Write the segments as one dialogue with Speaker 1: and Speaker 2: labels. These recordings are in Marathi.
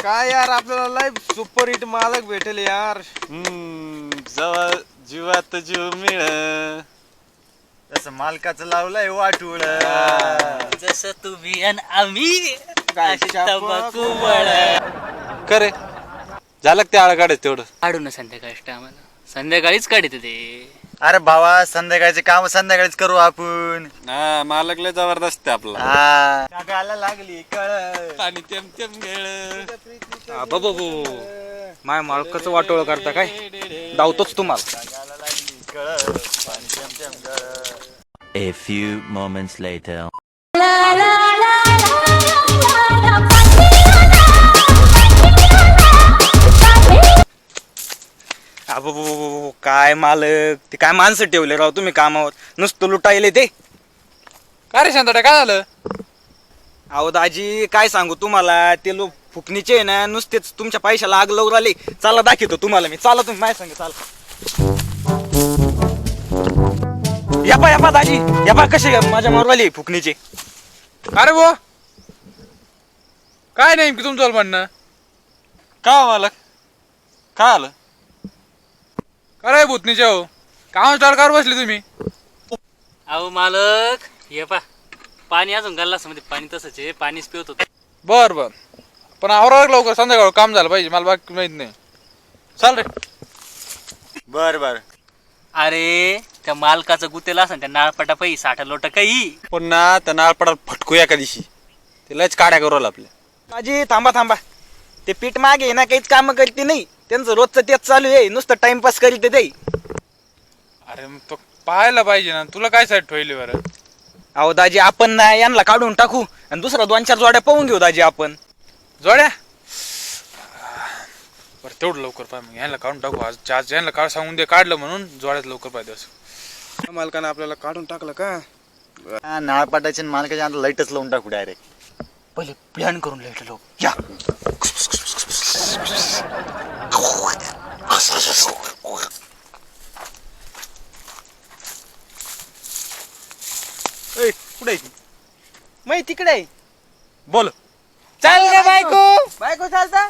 Speaker 1: काय यार आपल्याला लय सुपर हिट मालक भेटेल यार.
Speaker 2: जवळ जीवात जीव मिळ तसं मालकाचं लावलंय वाटूळ
Speaker 3: जसं तुम्ही आणि आम्ही
Speaker 1: गायच्या
Speaker 3: तंबाखू
Speaker 2: करे झालं ते आळ काढायचं तेवढं.
Speaker 3: काढू ना संध्याकाळी आम्हाला संध्याकाळीच काढते ते.
Speaker 4: अरे भावा संध्याकाळचे काम संध्याकाळीच करू आपण.
Speaker 2: हा मालक लय जबरदस्त आहे आपला.
Speaker 4: जगाला लागली कळ
Speaker 2: आणि तेम तेम गेळ
Speaker 1: बाबू माय मालकाचं वाटोळ करता काय धावतोच तुम्हाला.
Speaker 4: जगाला लागली कळ पाणी तेम तेम गळ.
Speaker 5: A few moments later.
Speaker 1: अबो काय मालक ते काय माणसं ठेवले राव तुम्ही कामावर नुसतं लुटायले ते.
Speaker 2: काय रे शांतड्या काय झालं?
Speaker 1: अहो दाजी काय सांगू तुम्हाला ते लोक फुकणीचे आहे ना नुसतेच तुमच्या पैशाला आग लावून राहिले. चला दाखवतो तुम्हाला मी. चला तुम्ही माझ्या सांग चला. या दाजी या कसे माझ्या मारवाली फुकणीचे.
Speaker 6: अरे वो काय नाही तुमचं म्हणणं
Speaker 2: का मालक काय आलं?
Speaker 6: काय भूतनीच्या हो काम स्टार्ट कर बसले तुम्ही.
Speaker 3: अहो मालक हे पा पाणी अजून गल्लास मध्ये पाणी तसंच आहे पाणीच पिवत होत.
Speaker 6: बर बर पण आवरा लवकर संध्याकाळ काम झालं पाहिजे मला बाकी माहित नाही. चाल रे.
Speaker 4: बर बर
Speaker 3: अरे त्या मालकाचं गुतेला असं त्या नाळपटा पै 60 लोट काही.
Speaker 2: पुन्हा त्या नाळपडाला फटकू एका दिवशी ते लयच काड्या करू आपल्या.
Speaker 1: दाजी थांबा ते पीठ मागे ना काहीच काम करते नाही. त्यांचं रोजचं तेच चालू आहे नुसतं टाइमपास करीत ते.
Speaker 6: अरे मग तो पाहायला पाहिजे ना तुला काय साईड ठेवली बरं.
Speaker 1: अहो दाजी आपण ना यांना काढून टाकू आणि दुसरा 2-4 जोड्या पाहून घेऊ दाजी आपण.
Speaker 6: जोड्या बरं तेवढं लवकर पाहिजे मग यांना काढून टाकू. आज यांना काढ सांगून दे काढलं म्हणून जोड्यात लवकर पाहिजे असं.
Speaker 1: मालकानं आपल्याला काढून टाकलं का.
Speaker 4: नाळ पाटायचे मालकाच्या आता लाईटच लावून टाकू डायरेक्ट.
Speaker 3: पहिले प्लॅन करून लिहिलेलो या.
Speaker 1: कुठे माहिती तिकडे आहे.
Speaker 2: बोल
Speaker 1: चाल रे बायको चालता.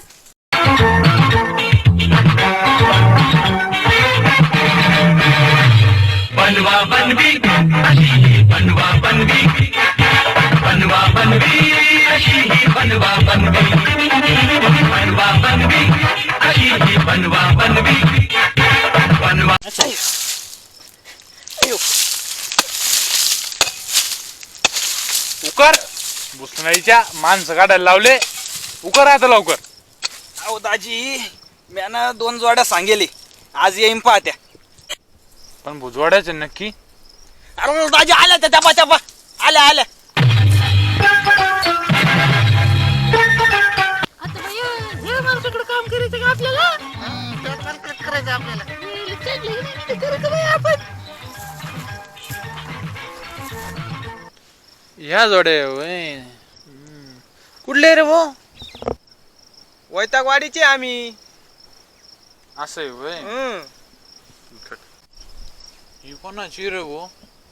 Speaker 7: बनवा बनवी अशी बनवा बनवी बनवा बनवी अशी बनवा बनवी बनवा बनवी अशी बनवा बनवी बनवा.
Speaker 6: उकर भुसणाईच्या माणसं काढायला लावले. उकर आता लवकर.
Speaker 1: अहो दाजी म्यानं 2 जोड्या सांगेले आज येईन पाहत्या.
Speaker 6: पण भुजवाड्याचे नक्की.
Speaker 1: अरे दाजी आल्या त्या टपा आल्या
Speaker 8: आता भैया हे माणसाकडे काम करायचं का आपल्याला. करायचं आपल्याला आपण.
Speaker 6: ह्या जोड्या होय. कुठले रे भो.
Speaker 1: वैतागवाडीचे आम्ही.
Speaker 6: असं आहे होय. ही कोणाची रे भो.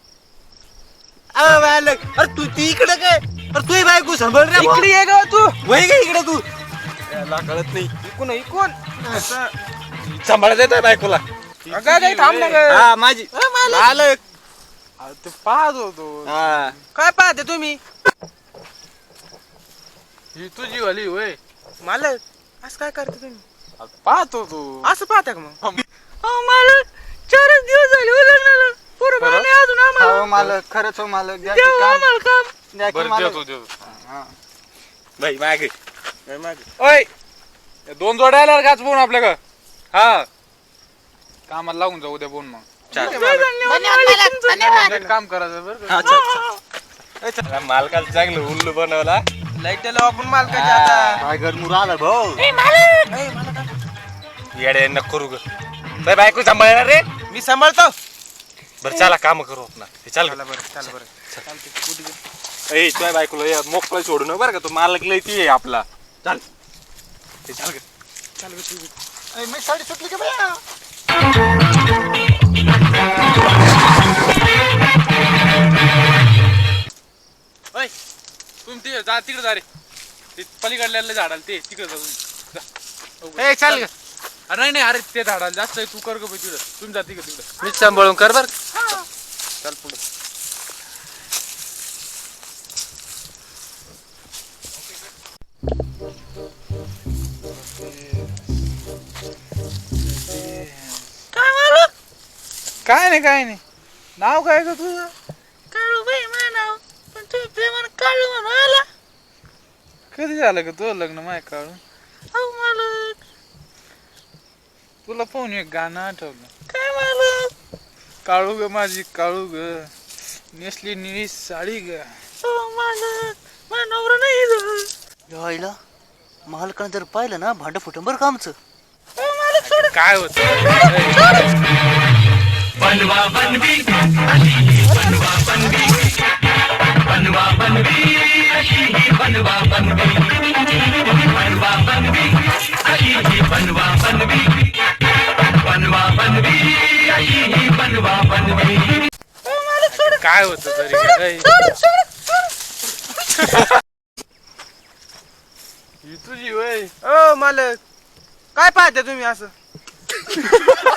Speaker 1: अरे तू ती इकडे काय. अरे तू बायको सांभाळ रे. इकडे ये ग तू. वय ग इकडे तू.
Speaker 2: याला कळत नाही.
Speaker 1: इकून
Speaker 2: सांभाळत येत बायकोला.
Speaker 1: काय थांब ना ग.
Speaker 2: हा माझी
Speaker 1: मालक
Speaker 6: ते पाहत होतो.
Speaker 1: काय पाहते तुम्ही.
Speaker 6: ही तुझी वाली होय.
Speaker 1: मालक असं काय करते तुम्ही.
Speaker 6: पाहत होतो.
Speaker 1: असं पाहता का मग.
Speaker 8: मालक 4 दिवस झाले उलटणार पुरं पाणी अजून आम्हाला.
Speaker 1: मालक खरंच हो मालक.
Speaker 8: देऊ आम्हाला काम.
Speaker 6: बरं देतो.
Speaker 2: बाई मागे
Speaker 6: ओय 2 जोड्या आल्या घाच बोन आपल्या का. हा कामाला लागून जाऊ द्या बोन मग. एक काम करायचं बरं.
Speaker 2: मालकाला चांगलं उल्लू बनवला.
Speaker 1: लाईट लाव आपण मालकाच्या आता.
Speaker 4: काय घर मुराला भाऊ.
Speaker 2: येडे नको करू ग. बाय बायको सांभाळणार रे.
Speaker 1: मी सांभाळतो.
Speaker 2: बरं चला काम करू आपण. चल
Speaker 1: बरं.
Speaker 2: ए तुझ्या बायकोला मोकळा सोडू न बरं का. तो मालक लय ती आहे आपला. चल चल ग.
Speaker 1: मी साडी सुटली का भैया.
Speaker 6: तुम्ही जा तिकडे जा रे. ते पलीकडल्या झाडाला ते तिकडे जा तुम्ही. ए चाल ग. अरे नाही अरे ते झाडाला जास्त आहे, तू कर ग बाई तिकडं. तुम्ही जाती का तिकडं?
Speaker 2: मीच सांभाळून कर बर.
Speaker 6: चाल पुढं.
Speaker 8: काय मालक?
Speaker 6: काय नाही नाव काय ग तुझं?
Speaker 8: काळू बाई म्हणाव, पण तुम्ही प्रेमानं काळू म्हणून आला.
Speaker 6: कधी झालं ग तुझं लग्न माय काढून?
Speaker 8: अहो मालक.
Speaker 6: तुला पाहून एक गाणं आठवलं.
Speaker 8: काय मालक?
Speaker 6: काळू ग माझी काळू ग, नेसली निळी साडी ग.
Speaker 8: अहो मालक, माझा नवरा नाही इथं.
Speaker 9: यायला मालकानं जर पाहिलं ना भांड फुटून बरं का आमचं.
Speaker 8: अहो मालक सोड.
Speaker 6: काय होत?
Speaker 7: बनवा बनवी अशी ही बनवा बनवी बनवा बनवी अशी ही बनवा बनवी बनवा बनवी अशी ही बनवा बनवी बनवा बनवी अशी ही बनवा बनवी.
Speaker 8: अहो मालक सोड.
Speaker 6: काय होत तरी? ही तुझी वय.
Speaker 2: ओ मालक काय पाहते तुम्ही असं?